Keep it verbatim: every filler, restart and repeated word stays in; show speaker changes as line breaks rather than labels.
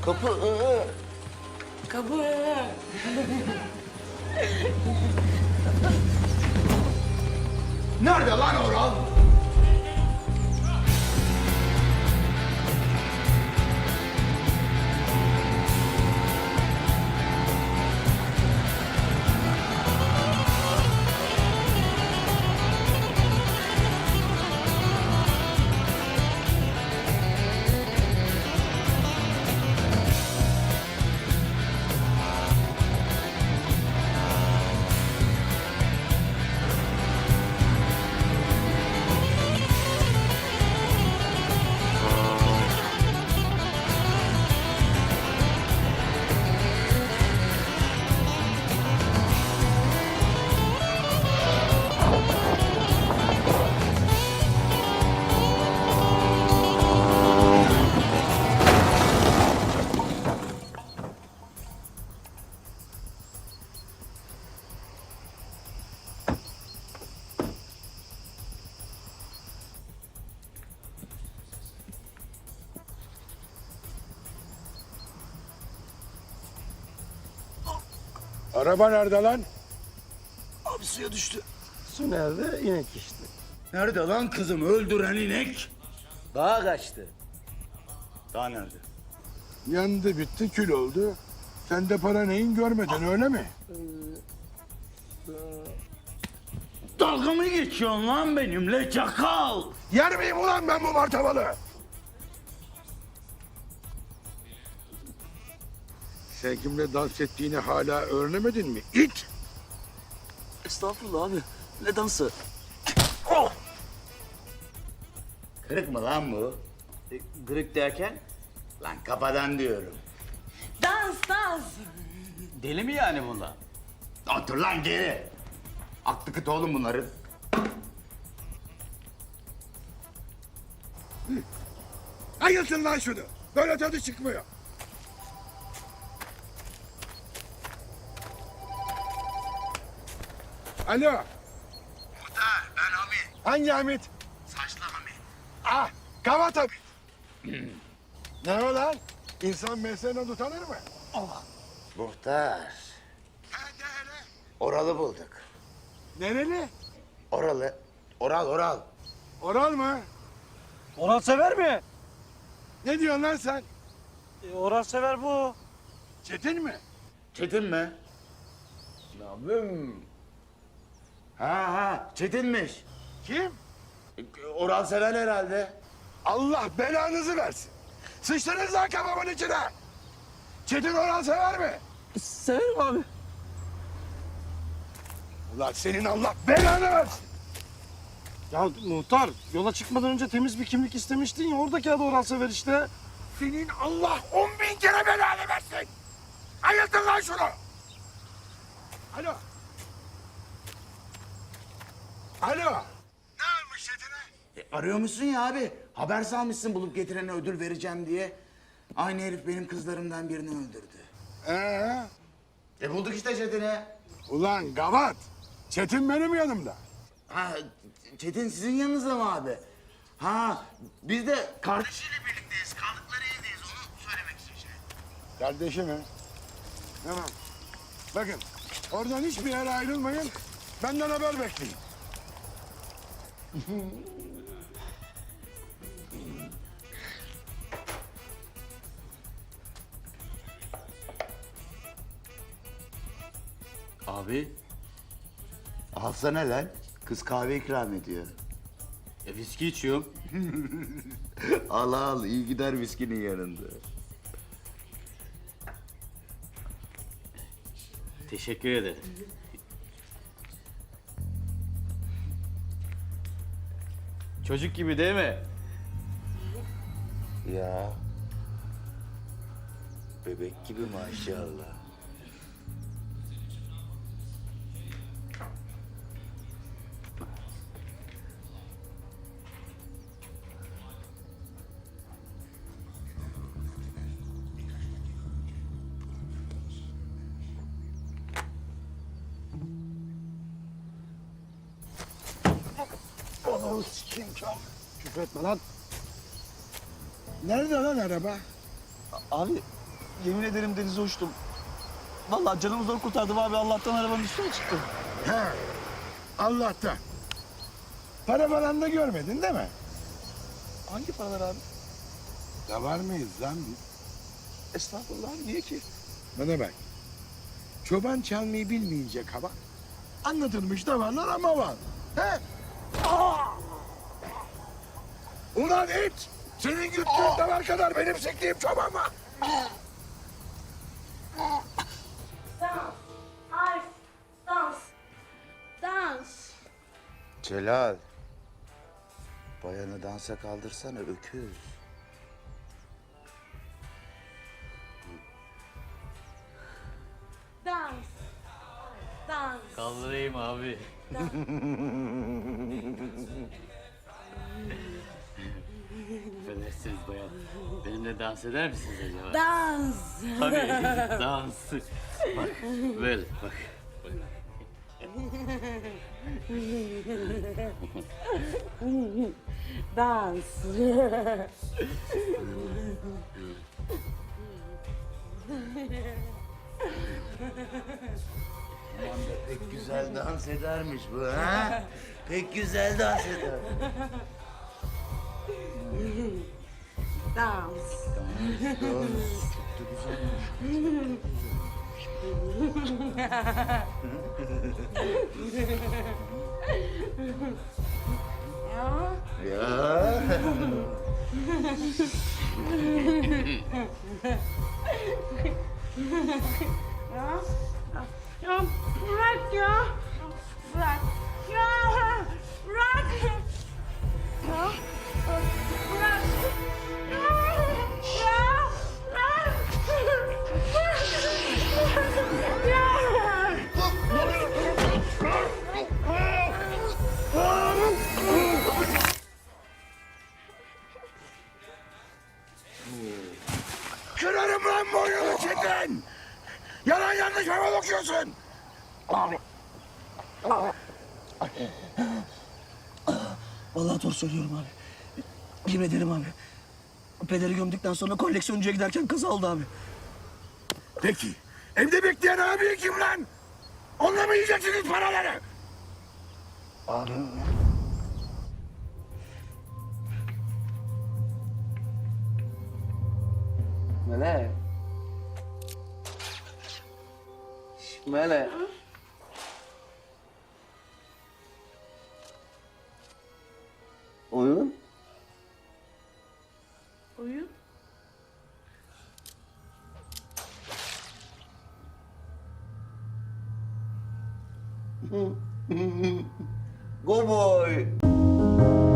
Kapı. Aa.
Kapı.
Nerede lan Oral?
Araba nerede lan?
Abi suya düştü.
Su nerede? İnek işte.
Nerede lan kızım öldüren inek?
Dağa kaçtı.
Daha nerede?
Yandı bitti kül oldu. Sen de para neyin görmedin öyle mi?
Dalga mı geçiyorsun lan benimle çakal?
Yer miyim ulan ben bu martabalı? Sen kimle dans ettiğini hala öğrenemedin mi? İt!
Estağfurullah abi. Ne dansı?
Kırık mı lan bu?
E, Gırık derken?
Lan kafadan diyorum.
Dans dans. Deli mi yani bunlar?
Otur lan geri. Aklı kıt oğlum bunların.
Ayılsın lan şunu. Böyle tadı çıkmıyor. Alo.
Muhtar ben Hamit.
Hangi Hamit?
Saçlı Hamit.
Ah, Kavat Hamit. Ne o lan? İnsan mesleğinden utanır mı?
Muhtar. Oral'ı bulduk.
Nereli?
Oral'ı. Oral Oral.
Oral mı?
Orhan Sever mi?
Ne diyorsun lan sen?
E, Orhan Sever bu.
Çetin mi?
Çetin mi? Nabım. Ha ha Çetin'miş.
Kim?
Oral sever herhalde.
Allah belanızı versin. Sıçtınız lan kafamın içine. Çetin Oral sever mi?
Severim abi.
Ulan senin Allah belanı versin.
Ya muhtar yola çıkmadan önce temiz bir kimlik istemiştin ya oradaki adı Orhan Sever işte.
Senin Allah on bin kere belanı versin. Ayıltın lan şunu. Alo. Alo. Ne olmuş Çetin'e?
E, arıyor musun ya abi? Haber salmışsın bulup getirene ödül vereceğim diye. Aynı herif benim kızlarımdan birini öldürdü.
Ee?
E bulduk işte Çetin'i.
Ulan gavat. Çetin benim yanımda.
Ha Çetin sizin yanınızda mı abi? Ha biz de kardeşiyle birlikteyiz. Kaldıkları evdeyiz onu söylemek için şey.
Kardeşi mi? Tamam. Bakın oradan hiçbir yere ayrılmayın. Benden haber bekleyin.
Abi.
Alsana lan. Kız kahve ikram ediyor.
E, viski içiyorum.
Al al iyi gider viskinin yanında.
Teşekkür ederim. Çocuk gibi değil mi?
Ya. Bebek gibi maşallah.
Onu sikeyim çal. Küfretme lan. Nerede lan araba?
Abi
Yemin ederim denize uçtum. Vallahi canımı zor kurtardım abi. Allah'tan arabanın üstüne çıktı.
He. Allah'tan. Para falan da görmedin değil mi?
Hangi paralar abi?
Da var mıyız lan biz?
Estağfurullah abi. Niye ki?
Bana bak. Çoban çalmayı bilmeyince kaba. Anlatılmış da varlar ama var. He? Ulan it! Senin güttüğün davar kadar benim sektiğim çoban var.
Dans, harf, dans, dans.
Celal. Bayanı dansa kaldırsana öküz.
Dans, dans.
Kaldırayım abi.
Affedersiniz bayan. Benimle dans eder misiniz acaba?
Dans.
Tabii, dans. Bak, böyle bak. bak.
Dans.
Aman da pek güzel dans edermiş bu ha. Pek güzel dans eder.
Dans. Ya.
Ya.
Ya. Ya bırak ya. Bırak. Ya. Bırak. Ya. Bırak. Ya. Ya. Bırak. Ya.
Kırarım lan boynunu Çetin! Yalan yanlış hava bakıyorsun!
Vallahi doğru söylüyorum abi. Yemin ederim abi. Pederi gömdükten sonra koleksiyoncuya giderken kaza oldu abi.
Peki, evde bekleyen abi kim lan? Onunla mı yiyeceksiniz paraları?
Abim mi?
Melek. Şş, Melek. Oyun?
Oyun.
Go boy.